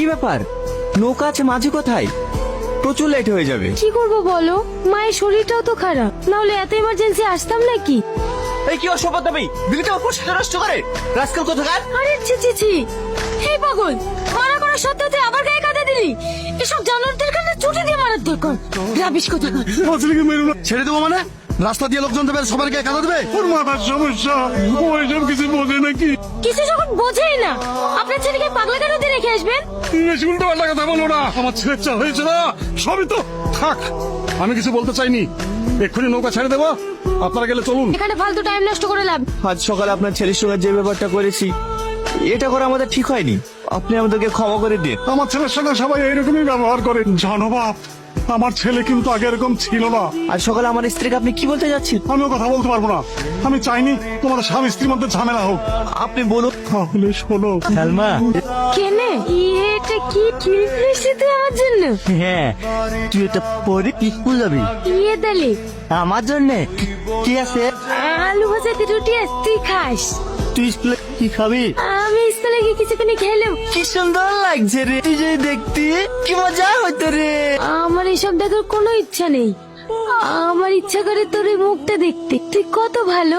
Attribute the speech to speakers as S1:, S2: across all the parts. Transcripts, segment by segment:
S1: ব্যাপার, নৌকা আছে মাঝি কোথায়? প্রচুর লেট হয়ে যাবে।
S2: কি করবো বলো, মায়ের শরীরটাও তো খারাপ, নাহলে এত ইমার্জেন্সি আসতাম নাকি?
S1: এই কি অসভ্য তুমি, দিদিটা অপর সাথে নষ্ট করে রাস্কাল কোথাকার।
S2: আরে ছি ছি ছি, হে পাগল, মারা করা সত্ত্বেও তুই আবার গায়ে কাঁদা দিলি। এসব জানোয়ারদের কাছে ছুটি দিয়ে মারার দরকার। রাবিশ কোথাকার।
S3: ছেড়ে দেবো মানে? রাস্তা দিয়ে লোকজন দেবে, সবার গায়ে কাঁদা দেবে? ওর মাথার সমস্যা, ও এসব কিছু বোঝে নাকি?
S2: কিছু যখন বোঝেই না, আপনার ছেলেকে পাগলা কেন দিয়ে রেখে আসবেন?
S3: বেশি উল্টো পাল্টা কথা বলো না, আমার ছেলের চা হয়েছে না, সবই তো থাক। আমি কিছু বলতে চাইনি, এক্ষুনি নৌকা ছেড়ে দেবো, আপনারা গেলে চলুন।
S2: এখানে ফালতু টাইম নষ্ট করে লাভ।
S1: আজ সকালে আপনার ছেলের সঙ্গে যে ব্যাপারটা করেছি, এটা করা আমাদের ঠিক হয়নি। আপনি আমাদেরকে ক্ষমা করে দিন।
S3: আমার ছেলের সঙ্গে সবাই এইরকমই ব্যবহার করে, জানো বাপ, আমার ছেলে কিন্তু আগে এরকম ছিল না।
S1: আজ সকালে আমার স্ত্রীকে আপনি কি বলতে যাচ্ছেন?
S3: আমিও কথা বলতে পারবো না, আমি চাইনি তোমাদের স্বামী স্ত্রীর মধ্যে ঝামেলা হোক।
S1: আপনি বলুন।
S3: তাহলে শোনো
S1: সালমা।
S2: কেনে এটা কি কিনছিস তুই আমার জন্য?
S1: হ্যাঁ, তুই এটা পরে স্কুল যাবি
S2: ইয়ে দালি
S1: আমার জন্য। কি আছে?
S2: আলু ভাজা দিয়ে রুটি আছে, তুই খাস।
S1: তুই স্কুলে কি খাবি?
S2: আমি স্কুলে গিয়ে কিছুক্ষণ খেলাম।
S1: কি সুন্দর লাগছে রে, তুই যে দেখতে কি মজা হইতো রে।
S2: আমার এসব দেখার কোনো ইচ্ছা নেই, আমার ইচ্ছা করে তোর এই মুখটা দেখতে। তুই কত ভালো,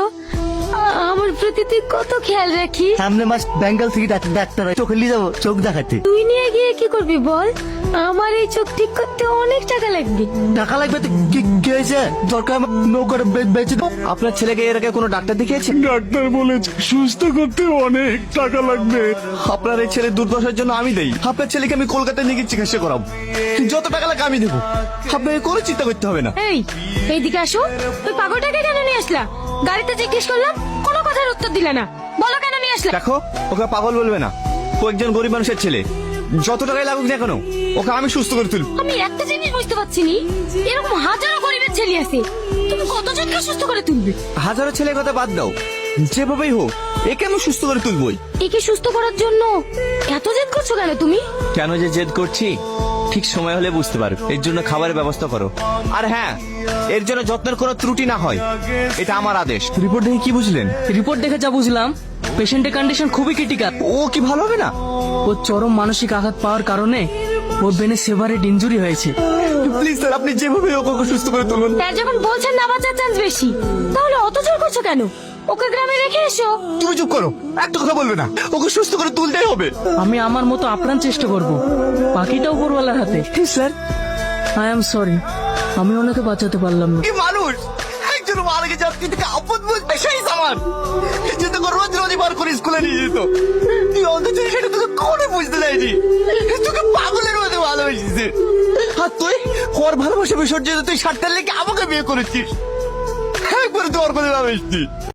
S2: আমার প্রতি তুই কত খেয়াল রাখিস।
S1: সামনে মাস বেঙ্গল থেকে ডাক্তার চোখে নিয়ে যাবো চোখ দেখাতে।
S2: তুই নিয়ে গিয়ে কি করবি বল? আমার এই চোখ ঠিক করতে অনেক টাকা লাগবে।
S1: টাকা লাগবে তো কি হয়েছে? দরকার আমার নৌকাটা বেঁচে দাও। আপনার ছেলেকে এর আগে কোনো ডাক্তার দেখিয়েছে?
S3: ডাক্তার বলেছে সুস্থ করতে অনেক টাকা লাগবে।
S1: আপনার এই ছেলের দুর্দশার জন্য আমি দেই। আপনার ছেলেকে আমি কলকাতায় নিয়ে গিয়ে চিকিৎসা করাবো, যত টাকা লাগে আমি দেবো। আপনাকে কোনো চিন্তা করতে হবে না।
S2: এই এইদিকে আসো, তুই পাগলটাকে কেন নিয়ে আসলা? গাড়িতে জিজ্ঞেস করলাম, কোনো কথার উত্তর দিলে না। বলো কেন নিয়ে আসলা?
S1: দেখো, ওকে পাগল বলবে না, ও একজন গরিব মানুষের ছেলে। যত টাকাই লাগুক না কেন, ওকে আমি সুস্থ করে তুলব।
S2: আমি একটা জিনিস বুঝতে পারছি নি, এরকম হাজারো গরিবের ছেলে আছে, তুমি কতজনকে সুস্থ করে তুলবে?
S1: হাজারো ছেলের কথা বাদ দাও, যেভাবেই হোক একে আমি সুস্থ করে তুলবই।
S2: একে সুস্থ করার জন্য এত জেদ করছো কেন তুমি?
S1: কেন যে জেদ করছি ঠিক সময় হলে বুঝতে পারো। এর জন্য খাবারের ব্যবস্থা করো, আর হ্যাঁ, এর জন্য যত্নের কোনো ত্রুটি না হয়, এটা আমার আদেশ। রিপোর্ট দেখে কি বুঝলেন?
S4: রিপোর্ট দেখে যা বুঝলাম, পেশেন্টের কন্ডিশন খুবই ক্রিটিক্যাল।
S1: ও কি ভালো হবে না?
S4: ও চরম মানসিক আঘাত পাওয়ার কারণে ওর ব্রেনে সেভারেট ইনজুরি হয়েছে।
S1: প্লিজ স্যার, আপনি যেভাবে ওকে সুস্থ করে তুলুন।
S2: স্যার যখন বলছেন না বাঁচার চান্স বেশি, তাহলে অত জোর করছো কেন? ওকে গ্রামে রেখে এসো।
S1: তুমি চুপ করো, একটা কথা বলবে না। ওকে সুস্থ করে তুলতেই হবে।
S4: আমি আমার মতো আপ্রাণ চেষ্টা করব, বাকিটা উপরওয়ালার হাতে।
S1: স্যার,
S4: আই এম সরি, আমি ওনাকে বাঁচাতে পারলাম না।
S1: কি মানুষ, একজন মারা গেছে, আপনি থেকে আপদ বুঝবে সেই সামান যেটা রোজ রোজ বার করে স্কুলে নিয়ে যেত। তুই অন্তত সেটা তোকে কোনো বুঝতে দেয়নি, তোকে পাগলের মধ্যে ভালোবেসেছে। আর তুই ওর ভালোবাসা বিসর্জিত তুই 60টার লেগে আমাকে বিয়ে করেছিস। একবারে তোর কথা ভাবিস।